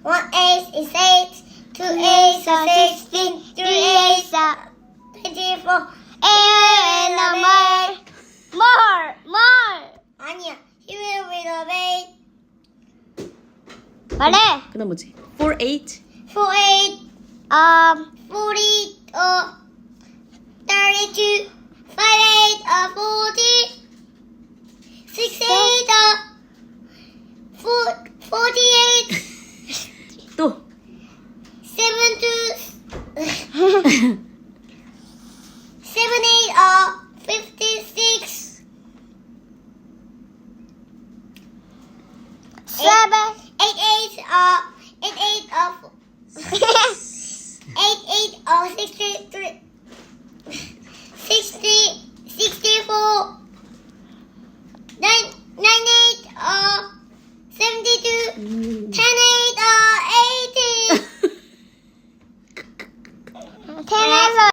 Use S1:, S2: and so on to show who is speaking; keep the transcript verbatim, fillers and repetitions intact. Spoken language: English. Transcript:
S1: One eight is eight. Two eights are sixteen. Three eights are twenty-four.
S2: eight number. More, more.
S1: 아니야. He will renovate.
S2: 말해.
S3: 그다음 뭐지? four eight.
S1: Four eight.
S2: Um,
S1: Forty. Uh. Thirty-two. Five eight. Uh. Forty. Six eight. Uh. Four. Forty-eight.
S3: 또.
S1: Seven two. Seven eight. Uh. Fifty-six.
S2: seven.
S1: Eight eight. Uh. Eight eight. Uh. Eight eight. Uh. Sixty-three. Sixty. Sixty-four. Nine. Nine eight. Uh. Seventy-two. Ten eight. Uh. Eighty.
S2: ten